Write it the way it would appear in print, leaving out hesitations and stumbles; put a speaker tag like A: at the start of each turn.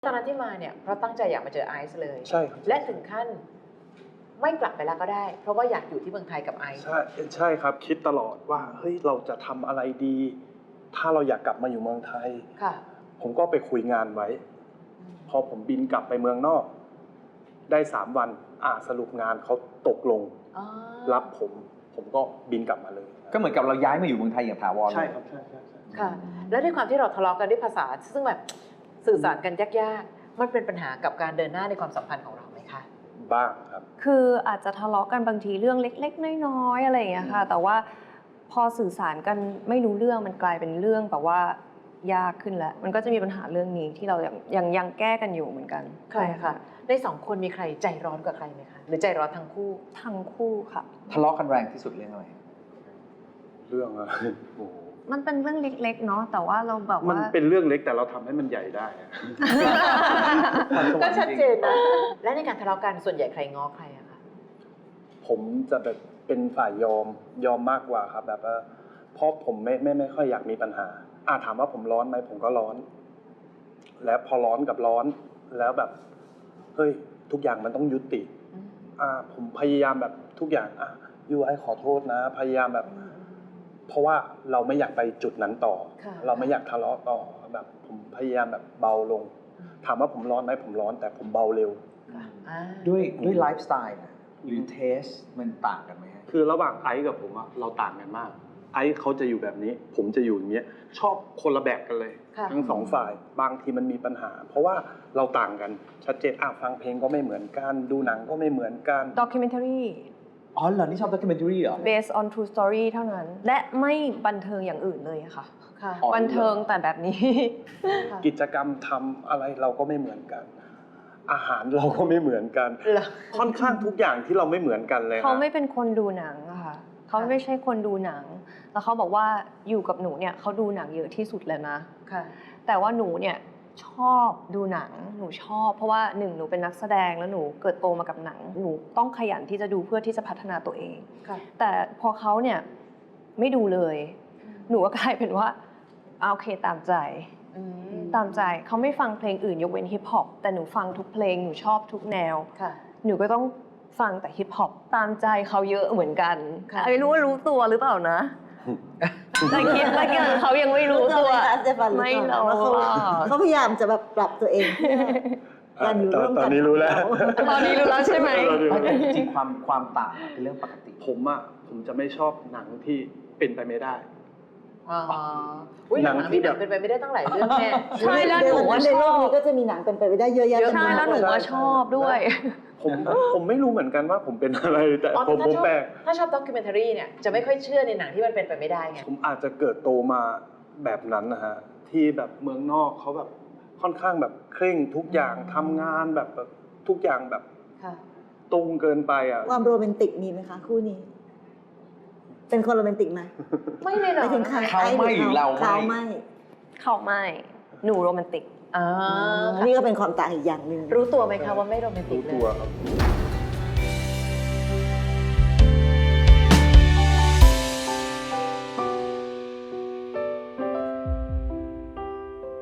A: ตอนนั้นที่มาเนี่ยเพราะตั้งใจอยากมาเจอไอซ์เลย
B: ใช่ครับ
A: และถึงขั้นไม่กลับไปแล้วก็ได้ เพราะว่าอยากอยู่ที่เมืองไทยกับไอซ์
B: ใช่ครับคิดตลอดว่าเฮ้ยเราจะทำอะไรดี ถ้าเราอยากกลับมาอยู่เมืองไทย
A: ค่ะ
B: ผมก็ไปคุยงานไว้พอผมบินกลับไปเมืองนอกได้3 วันสรุปงานเขาตกลงรับผมก็บินกลับมาเลย
C: ก็เหมือนกับเราย้ายมาอยู่เมืองไทยอย่างถาวร
B: ใช่ครับใช่
A: ค่ะแล้วด้วยความที่เราทะเลาะกันด้วยภาษาซึ่งแบบสื่อสารกันยากๆมันเป็นปัญหากับการเดินหน้าในความสัมพันธ์ของเราไหมคะ
B: บ้างครับ
D: คืออาจจะทะเลาะกันบางทีเรื่องเล็กๆน้อยๆอะไรอย่างเงี้ยค่ะแต่ว่าพอสื่อสารกันไม่รู้เรื่องมันกลายเป็นเรื่องแบบว่ายากขึ้นแล้วมันก็จะมีปัญหาเรื่องนี้ที่เรายังแก้กันอยู่เหมือนกัน
A: ใช่ค่ะใน2 คนมีใครใจร้อนกว่าใครไหมคะหรือใจร้อนทั้งคู่ค่ะ
C: ทะเลาะกันแรงที่สุดเรื่องอะไร
B: เรื่องอะไรโอ้
D: มันเป็นเรื่องเล็กๆเนาะแต่ว่าเราแบบว่า
B: มันเป็นเรื่องเล็กแต่เราทำให้มันใหญ่ได้
A: ก็ชัดเจนนะและในการทะเลาะกันส่วนใหญ่ใครง้อใครอะคะ
B: ผมจะแบบเป็นฝ่ายยอมมากกว่าครับแบบว่าเพราะผมไม่ค่อยอยากมีปัญหาถามว่าผมร้อนไหมผมก็ร้อน แล้วพอร้อนกับร้อนแล้วแบบเฮ้ยทุกอย่างมันต้องยุติผมพยายามแบบทุกอย่างยูไอขอโทษนะพยายามแบบเพราะว่าเราไม่อยากไปจุดนั้นต่อเราไม่อยากทะเลาะต่อแบบผมพยายามแบบเบาลงถามว่าผมร้อนไหมผมร้อนแต่ผมเบาเร็ว
C: ด้วยไลฟ์สไตล์หรือเทสมันต่างกันไหม
B: คือระหว่างไอซ์กับผมเราต่างกันมากไอซ์เขาจะอยู่แบบนี้ผมจะอยู่อย่างเงี้ยชอบคนละแบบกันเลยทั้ง2 ฝ่ายบางทีมันมีปัญหาเพราะว่าเราต่างกันชัดเจนฟังเพลงก็ไม่เหมือนกันดูหนังก็ไม่เหมือนกัน
D: documentary
C: อ๋อเหรอนี่ชอบ documentary เหรอ
D: based on true story เท่านั้นและไม่บันเทิงอย่างอื่นเลยค่ะบันเทิงแต่แบบนี้
B: กิจกรรมทำอะไรเราก็ไม่เหมือนกันอาหารเราก็ไม่เหมือนกันค่อนข้างทุกอย่างที่เราไม่เหมือนกันเลย
D: เขาไม่เป็นคนดูหนังอะค่ะเขาไม่ใช่คนดูหนังแล้วเขาบอกว่าอยู่กับหนูเนี่ยเขาดูหนังเยอะที่สุดเลยนะแต่ว่าหนูเนี่ยชอบดูหนังหนูชอบเพราะว่า1หนูเป็นนักแสดงแล้วหนูเกิดโตมากับหนังหนูต้องขยันที่จะดูเพื่อที่จะพัฒนาตัวเองแต่พอเขาเนี่ยไม่ดูเลยหนูก็กลายเป็นว่าโอเคตามใจเขาไม่ฟังเพลงอื่นยกเว้นฮิปฮอปแต่หนูฟังทุกเพลงหนูชอบทุกแนวหนูก็ต้องฟังแต่ฮิปฮอปตามใจเขาเยอะเหมือนกันไม่รู้ว่ารู้ตัวหรือเปล่านะแต่คิดว่าเขายังไม่รู้ตัวไม่รู้
E: เขาพยายามจะแบบปรับตัวเองการอยู่ร่วมกัน
B: ตอนนี้รู้แล้ว
D: ใช่ไหม
C: จริงความต่างเป็นเรื่องปกติ
B: ผมจะไม่ชอบหนังที่เป็นไปไม่ได้
A: หนังที่แบบเป็นไปไม่ได้ตั้งหลายเรื่องแน่
D: ใช่แล้วหนูว่า
E: ในโลกนี้ก็จะมีหนังเป็นไปไม่ได้เยอะแยะ
D: ใช่แล้วหนูว่าชอบด้วย
B: ผมไม่รู้เหมือนกันว่าผมเป็นอะไรแต่ผมแปลก
A: ถ้าชอบด็อกิเมนทารีเนี่ยจะไม่ค่อยเชื่อในหนังที่มันเป็นไปไม่ได้ไง
B: ผมอาจจะเกิดโตมาแบบนั้นนะฮะที่แบบเมืองนอกเขาแบบค่อนข้างแบบเคร่งทุกอย่างทำงานแบบทุกอย่างแบบตรงเกินไป
E: ความโรแมนติกมีไหมคะคู่นี้เป็นคนโรแมนติกไหม
A: ไม่เลยหรอ
C: เขาไม่หรือเรา
D: ไม่หนูโรแมนติก
E: นี่ก็เป็นความต่างอีกอย่างหนึ่ง
A: รู้ตัวไหมคะว่าไม่โรแมนติกเลย
B: รู้ตัวครับ